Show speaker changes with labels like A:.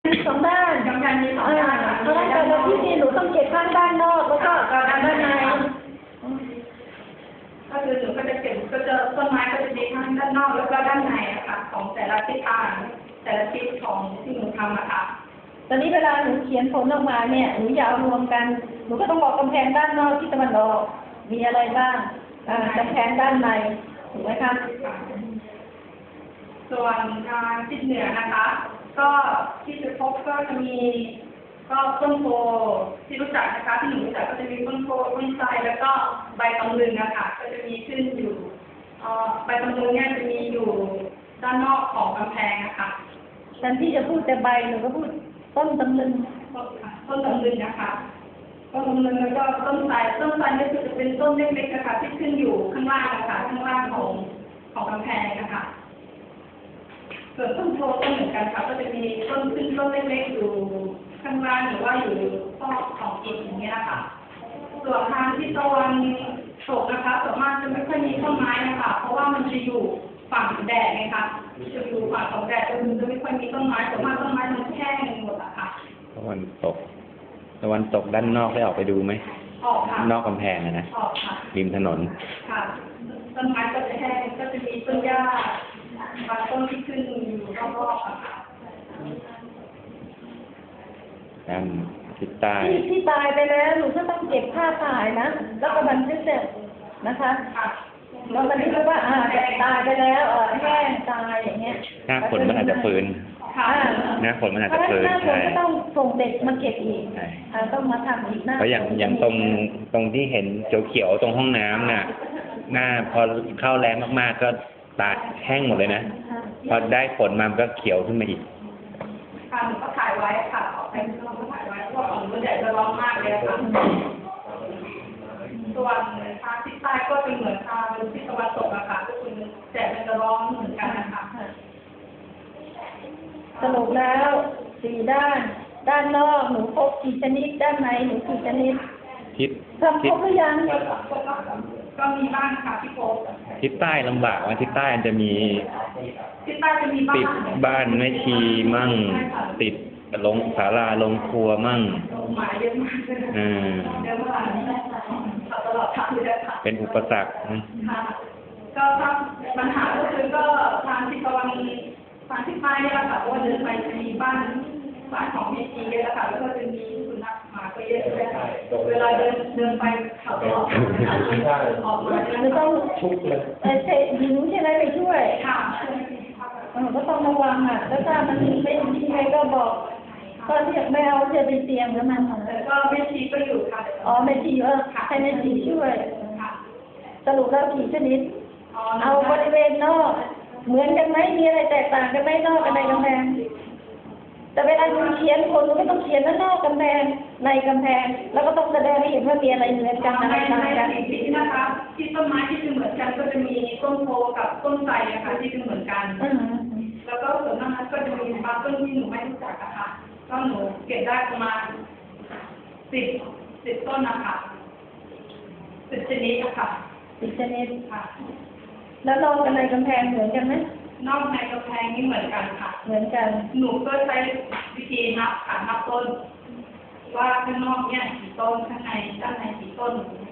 A: สองด้าน
B: กำแพงมีสองด้าน
A: เพราะฉะนั้นแต่ละที่นี่หนูต้องเก็บข้างด้านนอกแล้วก็ด้านใน
B: ก็คือหนูก็จะเก็บก็จะต้นไม้ก็จะมีทั้งด้านนอกแล้วก็ด้านในอะค่ะของแต่ละทิศทางแต่ละทิศของที่หนูทำอะค่ะ
A: ตอนนี้เวลาหนูเขียนผลออกมาเนี่ยหนูอยาวรวมกันหนูก็ต้องบอกกำแพงด้านนอกที่ตะวันออกมีอะไรบ้างกำแพงด้านในถูกไหมคะ
B: ส่วนทางทิศเหนือนะคะก็ที่จะพบก็จะมีก็ต้นโพที่รู้จักนะคะที่หนูรู้จักก็จะมีต้นโพต้นไทรแล้วก็ใบตำลึงนะคะก็จะมีขึ้นอยู่ใบตำลึงเนี่ยจะมีอยู่ด้านนอกของกำแพงนะคะ
A: แทนที่จะพูดแต่ใบหนูก็พูดต้นตำลึง
B: ต้นตำลึงนะคะต้นตำลึงแล้วก็ต้นไทรนี่คือจะเป็นต้นเล็กๆนะคะที่ขึ้นอยู่ข้างล่างนะคะข้างล่างของกำแพงนะคะส่วนต้นโพก็เหมือนกันค่ะก็จะมีต้นขึ้นต้นเล็กๆอยู่ข้างล่างหรือว่าอยู่ซอกของอิฐอย่างเงี้ยนะคะส่วนทางที่ตะวันตกนะคะส่วนมากจะไม่ค่อยมีต้นไม้นะคะเพราะว่ามันจะอยู่ฝั่งแดดไงคะจะอยู่ฝั่งของแดดจะไม่ค่อยมีต้นไม้ส่วนมากต้นไม้มันแห้งหมดอะค่ะ
C: ตะวันตกด้านนอกได้ออกไปดูไหม
B: ออกค่ะ
C: นอกกำแพงนะ
B: ออกค่ะ
C: ริมถนน
B: ค่ะต้นไม้ก็จะแห้งก็จะมีต้นหญ้าบางต้นที่ขึ้นอยู่รอบๆค่ะ
C: ด้านทิศใต้
A: ที่ตายไปแล้วหนูก็ต้องเก็บภาพถ่ายนะแล้วก็บันทึกเสร็จนะคะเราบันทึกว่าตายไปแล้วแห้งตายอย่างเงี้ย
C: หน้าฝนมันอาจจะฟื้นหน้าฝนมันอาจจะฟื้น
A: หน้าฝนก็ต้องส่งเด็กมาเก็บอีกต้องมาทำอีก
C: เพราะอย่างตรงที่เห็นเขียวๆตรงห้องน้ำน่ะหน้าพอเข้าแรงมากๆก็ตายแห้งหมดเลยนะพอได้ฝนมามันก็เขียวขึ้นมาอีก
B: ค่ะหนูก็ถ่ายไว้ค่ะออกไปข้างนอกก็ถ่ายไว้เพราะของมันแดดจะร้อนมากเลยค่ะส่วนทางทิศใต้ก็เป็นเหมือนทางทิศตะวันตกอะค่ะก็คือแดดมันจะร้อนเหมือนกันนะคะ
A: สรุปแล้ว4 ด้านนอกหนูพบกี่ชนิดด้านในหนูกี่ชนิดทำครบหรือยัง
B: ก็มีบ้างค่ะที่พบ
C: ทิศใต้ลำบากว่าทิศใต้มันจะมีติดบ้านแม่ชีมั่งติดลงศาลาลงครัวมั่ง
B: หมายเยอะมากเยอะมากตลอดทางเลยค่ะ
C: เป็นอุปสรรค
B: ก็ปัญหาก็คือก็ทางทิศตะวันทางทิศใต้เนี่ยแหละค่ะเพราะว่าเดินไปจะมีบ้านของแม่ชีเยอะแล้วค่ะแล้วก็จะมีสุนัขหมาก็เยอะเลยค่ะเวลาเดินไปเขาตลอดออกมา
A: จะต้องเตะหญิงใช่ไหมไปช่วย
B: ค่ะ
A: ก็ต้องระวังแล้วถ้ามันไม่ดีไงก็บอกก็เรียกไม่เอาจะไปเตรียมแล้วมัน
B: ก็แม่ชีก็อยู่ค่ะ
A: แม่ชีให้แม่ชีช่วยสรุปแล้วกี่ชนิดเอาบริเวณนอกเหมือนกันไหมมีอะไรแตกต่างกันไหมนอกกับในกำแพงแต่เวลาคุณเขียนคนก็ต้องเขียนว่านอกกำแพงในกำแพงแล้วก็ต้องแสดงให้เห็นว่ามีอะไรเหมือนกันอะไรต่างกัน
B: ที่นะคะที่ต้นไม้ที่จะเหมือนกันก็จะมีต้นโพกับต้นไทรนะคะที่จะเหมือนกันแล้วก็ส่วนมากก็จะมีบางต้นที่หนูไม่รู้จักอะค่ะก็หนูเก็บได้ประมาณ10ต้นนะคะ10 ชนิดอะค่ะ
A: 10 ชนิด
B: ค่ะ
A: แล้วนอกกับในกำแพงเหมือนกันไหม
B: นอกในกำแพงนี่เหมือนกันค่ะ
A: เหมือนกัน
B: หนูก็ใช้วิธีนับต้นว่าข้างนอกเนี่ยกี่ต้นข้างในด้านในกี่ต้น